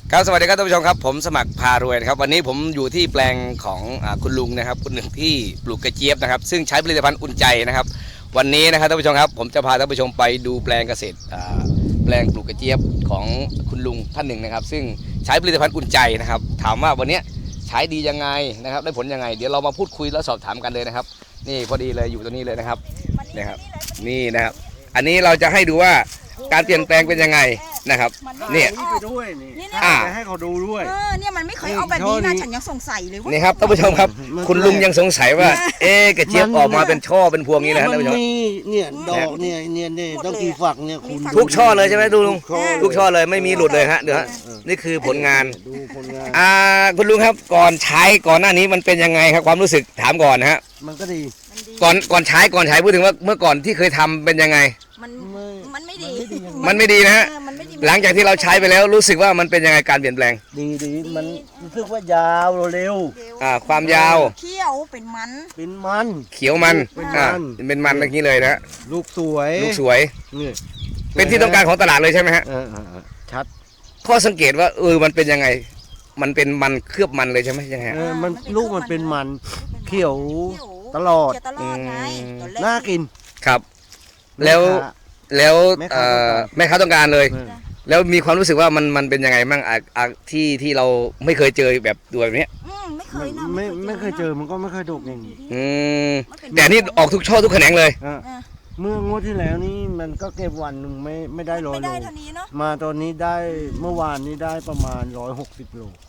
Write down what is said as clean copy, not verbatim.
ครับสวัสดีครับท่านผู้ชมครับผมสมัครพารวยนะครับวันนี้ผมอยู่ที่แปลงของคุณลุงนะครับคุณหนึ่งที่ปลูกกระเจี๊ยบนะครับซึ่งใช้ผลิตภัณฑ์อุ่นใจนะครับวันนี้นะครับท่านผู้ชมครับผมจะพาท่านผู้ชมไปดูแปลงเกษตรแปลงปลูกกระเจี๊ยบของคุณลุงท่านหนึ่งนะครับซึ่งใช้ผลิตภัณฑ์อุ่นใจนะครับถามว่าวันนี้ใช้ดียังไงนะครับได้ผลยังไงเดี๋ยวเรามาพูดคุยแล้วสอบถามกันเลยนะครับนี่พอดีเลยอยู่ตรงนี้เลยนะครับนี่นะครับอันนี้เราจะให้ดูว่าการเปลี่ยนแปลงเป็นยังไงนะครับเนี่ยนี่ไปด้วยนี่เนี่ยจะให้เขาดูด้วยเนี่ยมันไม่เคยเอาแบบนี้นะฉันยังสงสัยเลยว่านี่ครับท่านผู้ชมครับคุณลุงยังสงสัยว่า กระเจี๊ยบออกมาเป็นช่อเป็นพวงนี้นะครับท่านผู้ชมเนี่ยดอกเนี่ยต้องกี่ฝักเนี่ยคุณทุกช่อเลยใช่ไหมดูลุงทุกช่อเลยไม่มีหลุดเลยฮะเดี๋ยวฮะนี่คือผลงานดูผลงานคุณลุงครับก่อนใช้ก่อนหน้านี้มันเป็นยังไงครับความรู้สึกถามก่อนนะฮะมันก็ดีก่อนใช้พูดถึงว่าเมื่อก่อนที่เคยทำเป็นยังไงมันไม่ดีมันไม่ดีนะฮะหลังจากที่เราใช้ไปแล้วรู้สึกว่ามันเป็นยังไงการเปลี่ยนแปลงดีมันรู้สึกว่ายาวเร็วความยาวเขียวเป็นมันเขียวมันเป็นมันอย่างนี้เลยนะลูกสวยนี่เป็นที่ต้องการของตลาดเลยใช่ไหมฮะชัดข้อสังเกตว่ามันเป็นยังไงมันเป็นมันเคลือบมันเลยใช่ไหมยังไงมันลูกมันเป็นมันเขียวตลอดน่ากินครับแล้วแม่ค้าต้องการเลยแล้วมีความรู้สึกว่ามันเป็นยังไงบ้างที่เราไม่เคยเจอแบบตัวแบบนี้ไม่เคยเจอมันก็ไม่เคยดกอย่างนี้แต่นี่ออกทุกช่อทุกแขนงเลยเมื่องวดที่แล้วนี่มันก็เก็บวันหนึ่งไม่ได้100 โลมาตอนนี้ได้เมื่อวานนี้ได้ประมาณ160 โล